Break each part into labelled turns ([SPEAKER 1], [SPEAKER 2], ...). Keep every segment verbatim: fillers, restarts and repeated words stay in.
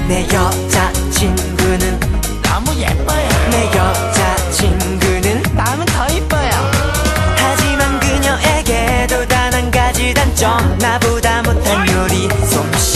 [SPEAKER 1] 내 여자친구는 너무 예뻐요. 내 여자친구는 나는 더 이뻐요. 하지만 그녀에게도 단 한 가지 단점, 나보다 못한 요리 솜씨.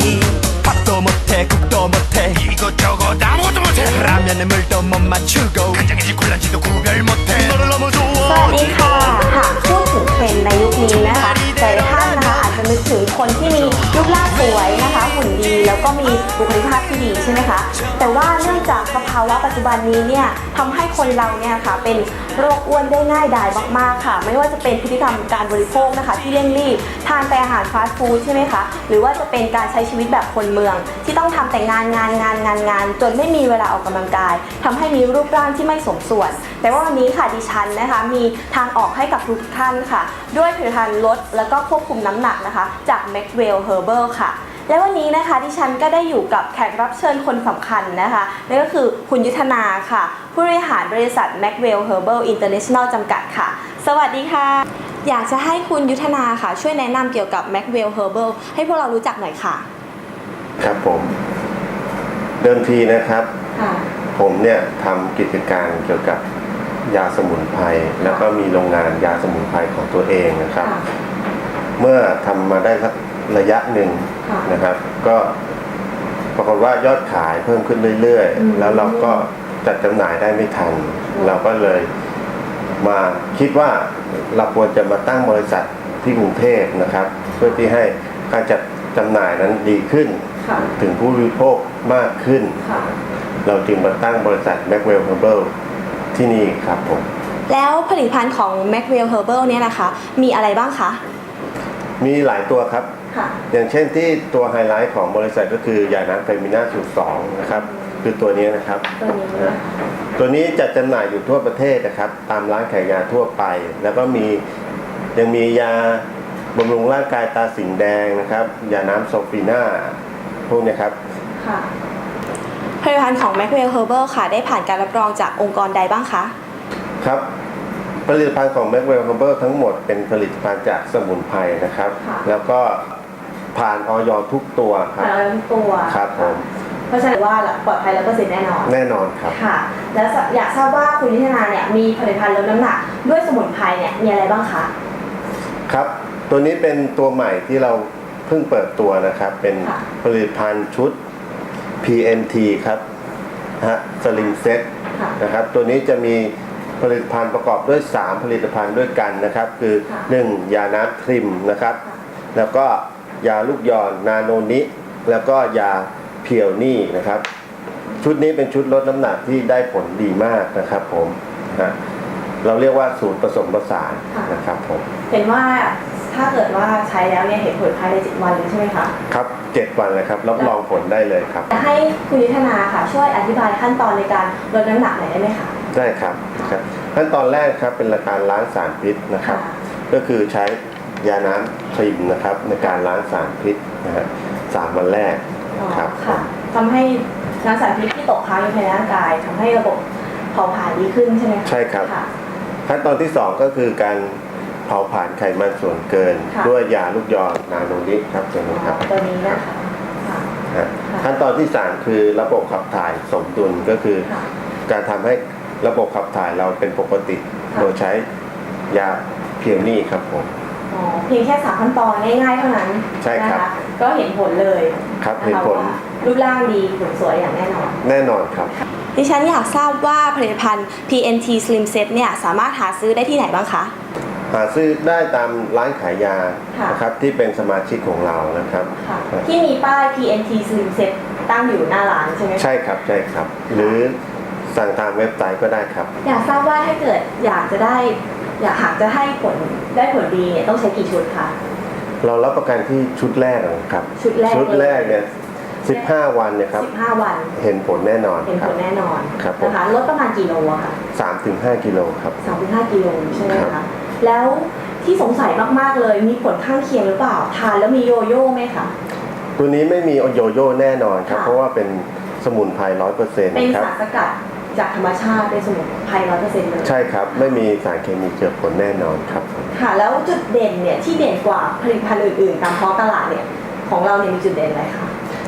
[SPEAKER 1] 밥도 못해 국도 못해 이것저것 아무것도 못해. 라면에 물도 못 맞추고 간장인지 콜라인지도 구별 못해. 너를 너무 좋아.
[SPEAKER 2] สวัสดีค่ะหากพูดถึงเทรนด์ในยุคนี้นะคะหลายท่านนะคะอาจจะนึกถึงคนที่มีรูปร่างสวยนะคะหุ่นดีแล้วก็มีบุคลิกภาพที่ดีใช่ไหมคะแต่ว่าเนื่องจากสภาวะปัจจุบันนี้เนี่ยทำให้คนเราเนี่ยค่ะเป็นโรคอ้วนได้ง่ายดายมากๆค่ะไม่ว่าจะเป็นพฤติกรรมการบริโภคนะคะที่เร่งรีบทานแต่อาหารฟาสต์ฟู้ดใช่ไหมคะหรือว่าจะเป็นการใช้ชีวิตแบบคนเมืองที่ต้องทำแต่งานงานงานงานงานจนไม่มีเวลาออกกำลังกายทำให้มีรูปร่างที่ไม่สมส่วนแต่ว่าวันนี้ค่ะดิฉันนะคะมีทางออกให้กับทุกท่านค่ะด้วยผลิตภัณฑ์ลดแล้วก็ควบคุมน้ำหนักนะคะจาก Maxwell Herbal ค่ะและวันนี้นะคะดิฉันก็ได้อยู่กับแขกรับเชิญคนสำคัญนะคะนั่นก็คือคุณยุทธนาค่ะผู้บริหารบริษัท Maxwell Herbal International จำกัดค่ะสวัสดีค่ะอยากจะให้คุณยุทธนาค่ะช่วยแนะนำเกี่ยวกับ Maxwell Herbal ให้พวกเรารู้จักหน่อยค่ะ
[SPEAKER 3] ครับผมเดิมทีนะครับผมเนี่ยทำกิจการเกี่ยวกับยาสมุนไพรแล้วก็มีโรงงานยาสมุนไพรของตัวเองนะครับเมื่อทำมาได้สักระยะหนึ่งนะครับก็ปรากฏว่ายอดขายเพิ่มขึ้นเรื่อยๆแล้วเราก็จัดจำหน่ายได้ไม่ทันเราก็เลยมาคิดว่าเราควรจะมาตั้งบริษัทที่กรุงเทพนะครับเพื่อที่ให้การจัดจำหน่ายนั้นดีขึ้นถึงผู้บริโภคมากขึ้นเราจึงมาตั้งบริษัท Maxwell Herbal ที่นี่ครับผม
[SPEAKER 2] แล้วผลิตภัณฑ์ของ Maxwell Herbal เนี่ยนะคะมีอะไรบ้างคะ
[SPEAKER 3] มีหลายตัวครับอย่างเช่นที่ตัวไฮไลท์ของบริษัทก็คือยาน้ำเฟมิน่าสูตรสองนะครับคือตัวนี้นะครับตัวนี้ตัวนี้จัดจำหน่ายอยู่ทั่วประเทศนะครับตามร้านขายยาทั่วไปแล้วก็มียังมียาบำรุงร่างกายตาสิงแดงนะครับยาน้ำโซฟีน่าพวกนี้ครับ
[SPEAKER 2] ค่ะผลิตภัณฑ์ของ Maxwell Herbal ค่ะได้ผ่านการรับรองจากองค์กรใดบ้างคะ
[SPEAKER 3] ครับผลิตภัณฑ์ของ Maxwell Herbal ทั้งหมดเป็นผลิตภัณฑ์จากสมุนไพรนะครับแล้วก็ผ่านอย.ทุกตัวครับ
[SPEAKER 2] ผ่านอย.ทุกตัว
[SPEAKER 3] ครับผม
[SPEAKER 2] เพราะฉะนั้นว่าปลอดภัยร้อยเปอร์เซ็นต์แน่นอน
[SPEAKER 3] แน่นอนครับ
[SPEAKER 2] ค่ะแล้วอยากทราบว่าคุณยุทธนาเนี่ยมีผลิตภัณฑ์ลดน้ำหนักด้วยสมุนไพรเนี่ยมีอะไรบ้างคะ
[SPEAKER 3] ครับตัวนี้เป็นตัวใหม่ที่เราเพิ่งเปิดตัวนะครับเป็นผลิตภัณฑ์ชุด พี เอ็ม ที ครับฮะ Slim Set นะครับตัวนี้จะมีผลิตภัณฑ์ประกอบด้วยสามผลิตภัณฑ์ด้วยกันนะครับคือหนึ่งยาน้ำทริมนะครับแล้วก็ยาลูกยอนนาโนนิแล้วก็ยาเพียวนี่นะครับชุดนี้เป็นชุดลดน้ำหนักที่ได้ผลดีมากนะครับผมนะเราเรียกว่าสูตรผสมผสานนะครับผม
[SPEAKER 2] เห็นว่าถ้าเกิดว่าใช้แล้วเนี่ยเห็นผลภายในเจ็ดวันเลยใช่ไหมคะ
[SPEAKER 3] ครับเจ็ดวันเลยครับรับรองผลได้เลยครับ
[SPEAKER 2] จะให้คุณยุทธนาค่ะช่วยอธิบายขั้นตอนในการลดน้ำหนักหน่อยได้ไหมคะ
[SPEAKER 3] ได้ครับขั้นตอนแรกครับเป็นการล้างสารพิษนะครับก็คือใช้ยาน้ำทริมนะครับในการล้างสารพิษนะฮะสามวันแรกครับ
[SPEAKER 2] ทำให้ล้างสารพิษที่ตกค้างอยู่ในร่างกายทำให้ระบบเผาผลาญดีขึ้นใช่ไหม
[SPEAKER 3] ใช่ครับขั้นตอนที่สองก็คือการเผาผลาญไขมันส่วนเกินด้วยยาลูกยอนนาโนนิครับตัวนี้ครับ
[SPEAKER 2] ตัวนี้นะคะ
[SPEAKER 3] ขั้นตอนที่สามคือระบบขับถ่ายสมดุลก็คือการทำให้ระบบขับถ่ายเราเป็นปกติโดยใช้ยาเพียวนี่ครับผม
[SPEAKER 2] อ๋อเพียงแค่สามขั้นตอนง่ายๆเท่านั้น
[SPEAKER 3] ใช่ครับ
[SPEAKER 2] ก็เห็นผลเลย
[SPEAKER 3] ครับเห็นผล
[SPEAKER 2] รูปร่างดีหุ่นสวยอย่างแน่นอน
[SPEAKER 3] แน่นอนครับ
[SPEAKER 2] ดิฉันอยากทราบว่าผลิตภัณฑ์ พี เอ็น ที Slim Set เนี่ยสามารถหาซื้อได้ที่ไหนบ้างคะ
[SPEAKER 3] หาซื้อได้ตามร้านขายยานะครับที่เป็นสมาชิกของเรานะครับ
[SPEAKER 2] ที่มีป้าย พี เอ็น ที Slim Set ตั้งอยู่หน้าร้านใช่ไหม
[SPEAKER 3] ใช่ครับใช่ครับหรือสั่งทางเว็บไซต์ก็ได้ครับ
[SPEAKER 2] อยากทราบว่าถ้าเกิดอยากจะได้อยากหากจะให้ผลได้ผลดีเนี่ยต้องใช้กี่ชุดคะ
[SPEAKER 3] เรารับประกันที่ชุดแรกนะครับ
[SPEAKER 2] ชุดแรก
[SPEAKER 3] ชุดแรกเนี่ยสิบห้าวันเนี่ยครับ
[SPEAKER 2] สิบห้าวัน
[SPEAKER 3] เห็นผลแน่นอน
[SPEAKER 2] เห็นผลแน่นอน
[SPEAKER 3] ครับ
[SPEAKER 2] นะคะลดประมาณกี่โลอะคะ
[SPEAKER 3] สามถึงห้ากิโลครับ
[SPEAKER 2] สามถึงห้ากิโลใช่ไหมคะแล้วที่สงสัยมากๆเลยมีผลข้างเคียงหรือเปล่าทานแล้วมีโยโย่ไหมคะ
[SPEAKER 3] ตัวนี้ไม่มีโยโย่แน่นอนครับเพราะว่าเป็นสมุนไพรร้อยเปอร์เซ็นต์
[SPEAKER 2] เป็นสารสกัดจากธรรมชาติเป็นสมุนไพรร้อยเปอร์เซ็นต์เลย
[SPEAKER 3] ใช่ครับไม่มีสารเคมีเจือปนแน่นอนครับ
[SPEAKER 2] ค่ะแล้วจุดเด่นเนี่ยที่เด่นกว่าผลิตภัณฑ์อื่นๆตามท้องตลาดเนี่ยของเราเนี่ยมีจุดเด่นอะไรคะ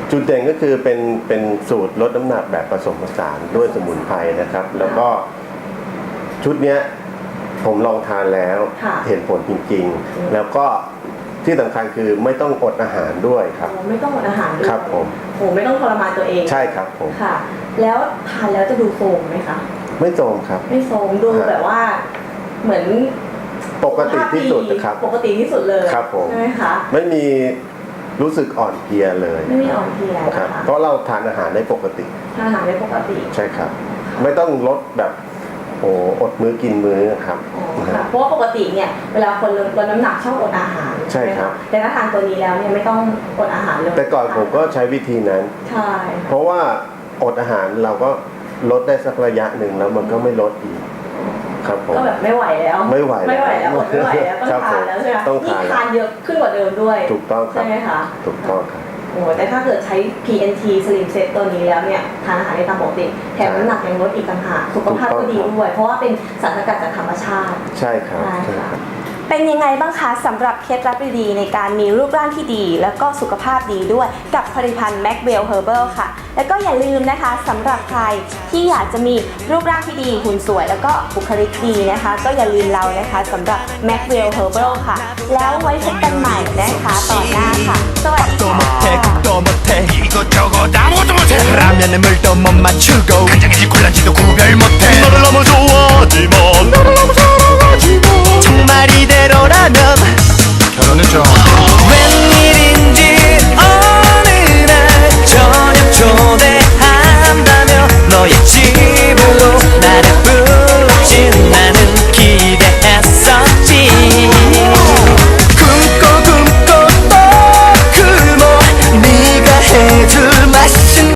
[SPEAKER 3] จุดเด่นก็คือเป็นเป็นสูตรลดน้ำหนักแบบผสมผสานด้วยสมุนไพรนะครับ แล้วก็ชุดเนี้ยผมลองทานแล้ว
[SPEAKER 2] ค่ะ
[SPEAKER 3] เห็นผลจริงๆ แล้วก็ที่สำคัญคือไม่ต้องอดอาหารด้วยครับ
[SPEAKER 2] โอ้ไม่ต้องอดอาหารด้วย
[SPEAKER 3] ครับผม
[SPEAKER 2] โอ้ไม่ต้องทรมานตัวเอง
[SPEAKER 3] ใช่ครับผม
[SPEAKER 2] ค่ะ แล้วทานแล้วจะดูโทรมไหมคะ
[SPEAKER 3] ไม่โจมครับ
[SPEAKER 2] ไม่โทรมดู
[SPEAKER 3] ครับ
[SPEAKER 2] แบบว่าเหมือน
[SPEAKER 3] ปกติที่สุดนะครับ
[SPEAKER 2] ปกติที่สุดเลย
[SPEAKER 3] ครับผม
[SPEAKER 2] ใช่ไหมคะ
[SPEAKER 3] ไม่มีรู้สึกอ่อนเพลียเลย
[SPEAKER 2] ไม่มีอ่อนเพลีย
[SPEAKER 3] ครับ
[SPEAKER 2] นะคะ
[SPEAKER 3] เพราะเราทานอาหารได้ปกติ
[SPEAKER 2] ทานอาหารได้ปกติ
[SPEAKER 3] ใช่ครับ ไม่ต้องลดแบบโอ้อดมื้อกินมื้อครับ
[SPEAKER 2] อ๋อค่ะเพราะว่าปกติเนี่ยเวลาคนลดน้ำหนักชอบอดอาหาร
[SPEAKER 3] ใช่ครับ
[SPEAKER 2] ไหมะแต่ถ้าทานตัวนี้แล้วเนี่ยไม่ต้องอดอาหารเลย
[SPEAKER 3] แต่ก่อนผมก็ใช้วิธีนั้น
[SPEAKER 2] ใช่
[SPEAKER 3] เพราะว่าอดอาหารเราก็ลดได้สักระยะหนึ่งแล้วมันก็ไม่ลดอีกครับผม
[SPEAKER 2] ก็แบบไม่ไหวแล้ว
[SPEAKER 3] ไม่ไหว
[SPEAKER 2] ไม่ไหวแล้วอดไม่ไหวแล้วต้อง
[SPEAKER 3] ครับ
[SPEAKER 2] ทานแล้วใช่ไหม
[SPEAKER 3] ต้อง
[SPEAKER 2] นี่
[SPEAKER 3] ทาน
[SPEAKER 2] ทานเยอะขึ้นกว่าเดิมด้วย
[SPEAKER 3] ถูกต้องครั
[SPEAKER 2] ใช่
[SPEAKER 3] บ
[SPEAKER 2] ไหมคะ
[SPEAKER 3] ถูกต้องครับ
[SPEAKER 2] โอ้แต่ถ้าเกิดใช้ พี เอ็น ที Slim Set ตัวนี้แล้วเนี่ยทานอาหารได้ตามปกติแถมน้ำหนักยังลดอีกต่างหากสุขภาพก็ดีด้วย เพราะว่าเป็นสารสกัดจากธรรมชาติ
[SPEAKER 3] ใช่ครับ
[SPEAKER 2] ใช่
[SPEAKER 3] ใช่
[SPEAKER 2] ค่ะ
[SPEAKER 3] ครับ
[SPEAKER 2] เป็นยังไงบ้างคะสำหรับเคล็ดลับดีๆในการมีรูปร่างที่ดี แล้วก็สุขภาพดีด้วยกับผลิตภัณฑ์ Maxwell Herbal ค่ะ แล้วก็อย่าลืมนะคะสำหรับใครที่อยากจะมีรูปร่างที่ดีหุ่นสวย แล้วก็บุคลิกดีนะคะ ก็อย่าลืมเรานะคะสำหรับ Maxwell Herbal ค่ะ แล้วไว้พบกันใหม่นะคะต่อหน้าค่ะ สวัสดี
[SPEAKER 4] 또
[SPEAKER 2] ค่ะ
[SPEAKER 4] 못해 국도 못해 이것저것 아무것도 못해 라면에 물도 못 맞추고